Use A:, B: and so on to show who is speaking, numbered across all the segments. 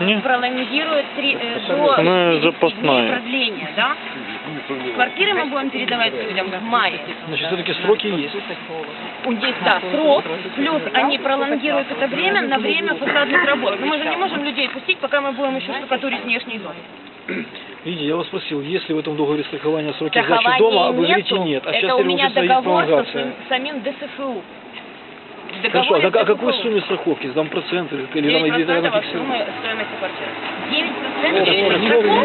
A: пролонгирует до 30 дней продления, да? Квартиры мы будем передавать людям в мае.
B: Значит, все-таки сроки есть.
A: Есть, да, срок, плюс они пролонгируют это время на время фасадных работ. Но мы же не можем людей пустить, пока мы будем еще штукатурить внешний дом.
B: Видите, я вас спросил, есть ли в этом договоре страхования сроки сдачи дома, а вы говорите нет. А
A: это
B: сейчас
A: у меня договор
B: с
A: самим ДСФУ.
B: Хорошо, а о какой сумме страховки? Там проценты или там где-то она
A: от суммы стоимости квартиры.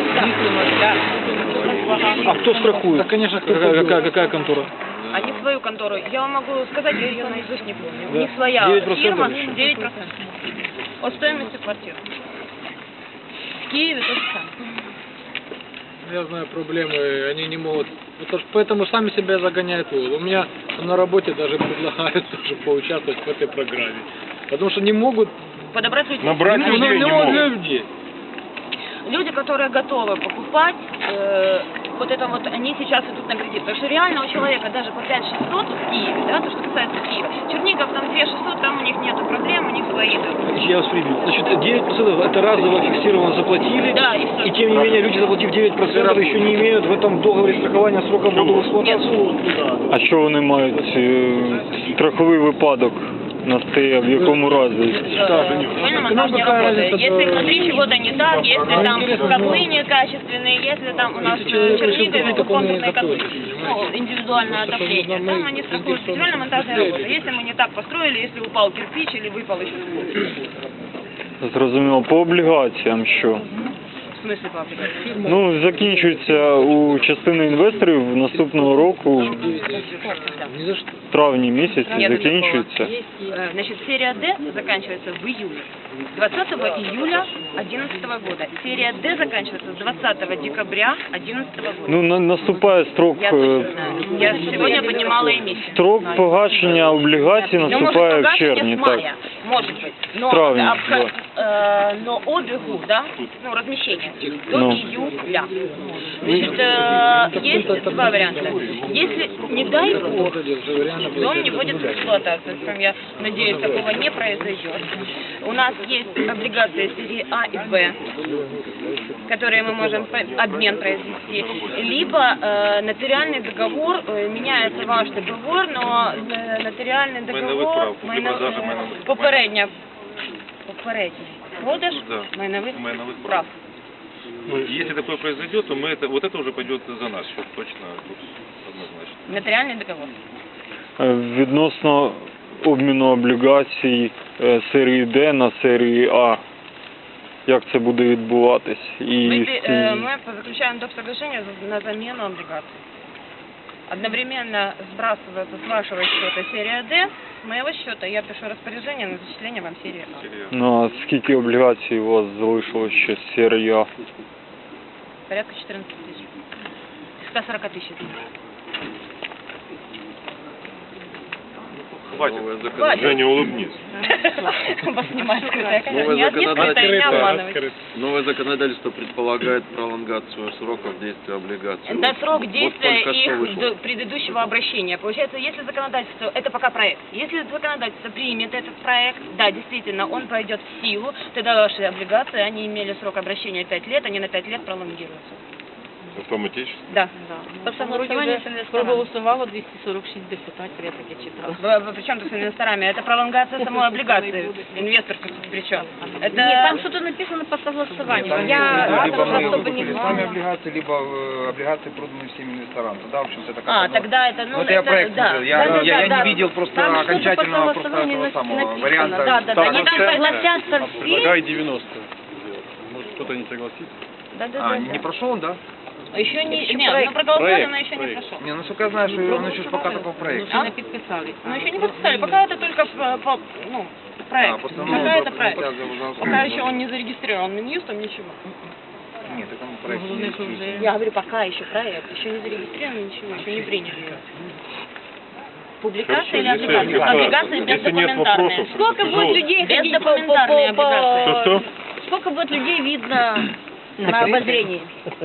A: 9%
B: А кто страхует? Конечно, какая контора?
A: Они свою контору. Я вам могу сказать, я ее наизусть не помню.
B: Да.
A: У них своя
B: 9%
A: фирма,
B: еще.
A: 9% от стоимости квартиры. В Киеве то же самое.
C: Я знаю проблемы, они не могут, поэтому сами себя загоняют в угол. У меня на работе даже предлагают тоже поучаствовать в этой программе, потому что не могут
A: подобрать людей.
D: Набрать людей не могут.
A: Люди, которые готовы покупать, вот это вот, они сейчас идут на кредит. Потому что реально у человека даже по 5600 в Киеве, да, то, что касается Киева. Чернигов там 2600, там у них нету проблем, у них свои.
B: Я вас прибил. Значит, 9% это разово фиксированно заплатили,
A: да,
B: и тем не менее люди, заплатив 9%, еще не имеют в этом договоре страхования срока модулу эксплуатации.
D: А що вони мають? Страховий випадок настає в якому разі?
A: Правильно, монтаж не работает. Если внутри чего-то не так, если там котлы некачественные, если там у нас в Чернигове двухкомнатные котлы, ну, индивидуальное отопление, там они страхуют строительно-монтажные работы. Если мы не так построили, если упал кирпич или выпал еще что-то.
D: Зрозуміло. По облігаціям що?
A: В смысле по облигациям?
D: Ну, закінчується у частини інвесторів наступного року, в травні місяці закінчується.
A: Значит, серия D заканчивается в июле. 20 июля 2011 года. Серия D заканчивается с 20 декабря 2011 года.
D: Ну, наступає строк...
A: Я точно знаю. Я сегодня поднимала эмиссию.
D: Строк погашення облігацій наступає в червні, так.
A: Может быть. Но,
D: травне,
A: но обегу, да, ну, размещение до
D: Ну.
A: июля. Значит, есть два варианта. Если, не дай бог, дом не будет в эксплуатацию, я надеюсь, такого не произойдет. У нас есть облигации серии А и Б, которые мы можем обмен произвести, либо нотариальный договор, меняется ваш договор, но нотариальный договор попередній продаж майнових прав.
E: Если такое произойдет, то мы вот это уже пойдет за наш счет, точно, однозначно.
A: Нотариальный договор.
D: Відносно обміну облігацій серії D на серії А, як це буде відбуватись?
A: Мы заключаем доп. Соглашение на замену облигаций. Одновременно сбрасывается с вашего счета серия D, с моего счета я пишу распоряжение на зачисление вам серии А.
D: Ну, а скільки облігацій у вас залишилось ще з серії А?
A: Порядка 14 тысяч. 140 тысяч.
E: Хватит. Женя, улыбнись.
A: Вас снимает скрытая камера. Не открытая, не обманывайте.
F: Новое законодательство предполагает пролонгацию сроков действия облигаций.
A: Это срок действия их предыдущего обращения. Получается, если законодательство, это пока проект, если законодательство примет этот проект, да, действительно, он пойдет в силу, тогда ваши облигации, они имели срок обращения 5 лет, они на 5 лет пролонгируются.
E: Автоматически?
A: Да.
G: По согласованию с инвесторами проголосовало 246 депутатов, я так и читала.
A: Причем тут с инвесторами? Это пролонгация самой облигации. Инвестор причем? Это...
G: Нет, там что-то написано по согласованию.
H: Либо мы сами облигации, либо облигации проданы всем инвесторам. Тогда, в общем-то, это как
A: тогда это... Ну,
H: это я проект
A: да,
H: я не видел просто окончательного просто этого самого варианта.
A: Да. Они там согласятся все.
D: Предлагай 90. Может, кто-то не согласится?
A: Да.
H: Не прошел он, да?
A: Еще не... Нет, ну проголосовали, но еще не прошел.
H: Не, насколько я знаю, что он еще пока только в проекте.
G: Еще не подписали.
A: Ну еще не подписали, пока это только проект. Пока это проект. Пока еще он не зарегистрирован Минюстом, ничего.
H: Нет, это проект.
A: Я говорю, пока еще проект, еще не зарегистрирован, ничего, еще не приняли. Публикация или облигация? Облигации бездокументарные. Сколько будет людей ходить по облигации?
D: Что?
A: Сколько будет людей видно
G: на обозрение.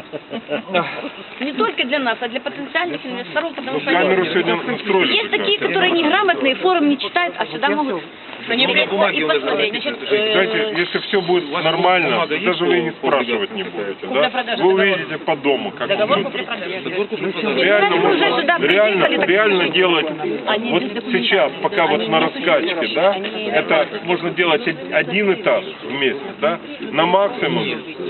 G: Не только для нас, а для потенциальных инвесторов, потому что
E: Камеру сегодня настроили.
G: есть такие, которые неграмотные, форум не читают, а сюда могут прийти и посмотреть.
E: Знаете, если все будет нормально, даже вы не спрашивать не будете, да? Вы увидите по дому, как реально делать вот сейчас, пока вот на раскачке, да, это можно делать один этаж в месяц, да, на максимум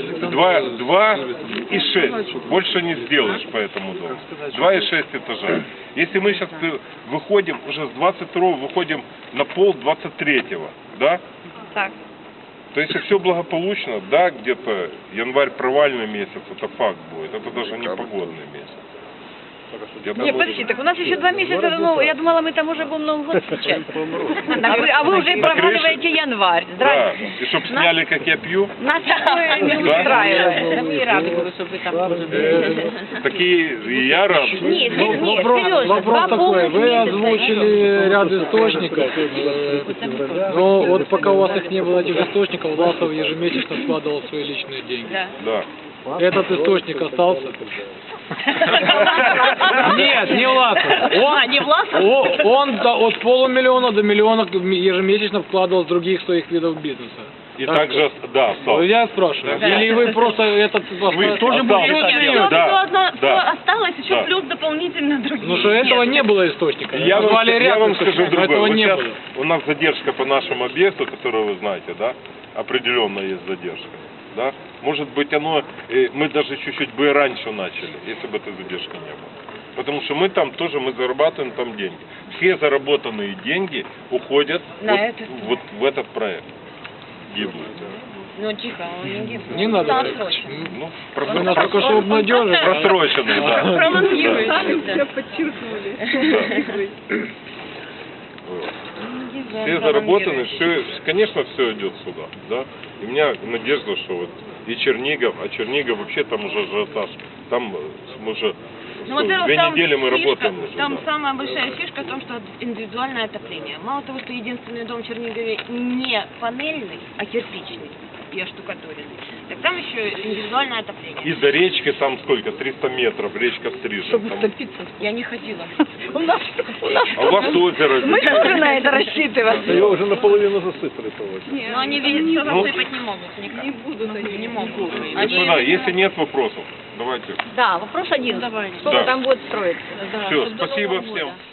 E: 2,6, больше не сделаешь по этому дому, 2,6 этажа. Если мы сейчас выходим, уже с 22-го выходим на пол 23-го, да?
A: Так.
E: То если все благополучно, да, где-то январь провальный месяц, это факт будет, это даже не погодный месяц.
G: Не, подожди, так у нас еще 2 месяца, ну, я думала, мы там уже будем Новый год встречать. А вы уже проваливаете январь.
E: Да,
G: Здравствуйте.
E: и чтоб сняли, как я пью.
G: Нас такое не устраивает. Мы и рады были, чтобы вы там были.
E: Такие, и я рад.
G: Нет, серьезно,
C: Вопрос такой, вы озвучили ряд источников, но вот пока у вас их не было, этих источников, Власов ежемесячно складывал свои личные деньги.
E: Да.
C: Этот источник остался? Нет, не Власов.
G: Не Власов?
C: Он от полумиллиона до миллиона ежемесячно вкладывал с других своих видов бизнеса.
E: И также, да, осталось.
C: Я спрашиваю, или вы просто этот...
E: Вы
C: тоже
E: осталось.
C: будете?
E: Да.
A: Осталось еще
E: Да.
A: плюс дополнительно другие.
C: Ну что этого не было источника.
E: Я вам скажу
C: источников, но
E: другое.
C: этого
E: Вот
C: не
E: сейчас
C: было.
E: у нас задержка по нашему объекту, который вы знаете, да, определенно есть задержка. Да? Может быть, мы даже чуть-чуть бы и раньше начали, если бы этой задержки не было. Потому что мы зарабатываем там деньги. Все заработанные деньги уходят вот в этот проект. Гибнут.
A: Ну, тихо, он не гибнет.
C: Не надо.
E: Ну,
C: Вы нас только что обнадежили.
E: просроченные, да.
A: Пролонгируется.
E: Все заработаны, все, конечно, все идет сюда, да. И у меня надежда, что вот и Чернигов, а Чернигов вообще там уже ажиотаж, там мы уже
A: Ну, во-первых,
E: 2
A: там
E: недели мы
A: фишка,
E: работаем уже.
A: там
E: да.
A: самая большая фишка в том, что индивидуальное отопление. Мало того, что единственный дом в Чернигове не панельный, а кирпичный и оштукатуренный, так там еще индивидуальное отопление.
E: И за речкой там сколько? 300 метров, речка Стрижень. Там.
A: Я не ходила.
G: У нас
E: А у вас озеро
G: мы
E: здесь.
G: тоже на это рассчитываем.
B: Ее уже наполовину засыпали, по-моему.
A: Но они все засыпать не могут никак. Не будут. Не могут.
E: Господа, если нет вопросов, давайте.
G: Да, вопрос один. Сколько
E: Да.
G: там будет строиться?
E: Все, спасибо всем.